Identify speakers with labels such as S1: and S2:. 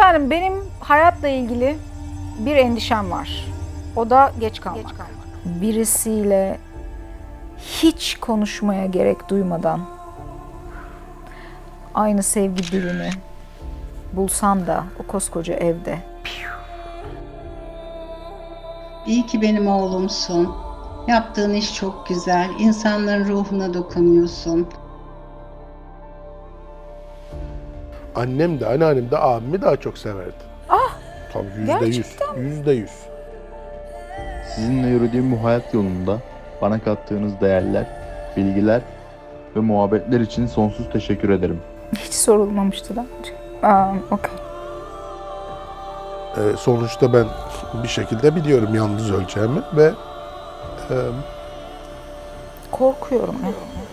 S1: Efendim benim hayatla ilgili bir endişem var. O da geç kalmak. Birisiyle hiç konuşmaya gerek duymadan aynı sevgi dilini bulsam da o koskoca evde.
S2: İyi ki benim oğlumsun. Yaptığın iş çok güzel. İnsanların ruhuna dokunuyorsun.
S3: Annem de anneannem de abimi daha çok severdi. Tabii %100.
S1: gerçekten
S3: %100.
S4: Sizinle yürüdüğüm bu hayat yolunda bana kattığınız değerler, bilgiler ve muhabbetler için sonsuz teşekkür ederim.
S1: hiç sorulmamıştı da. Okey.
S3: Sonuçta ben bir şekilde biliyorum yalnız öleceğimi ve
S1: Korkuyorum ya.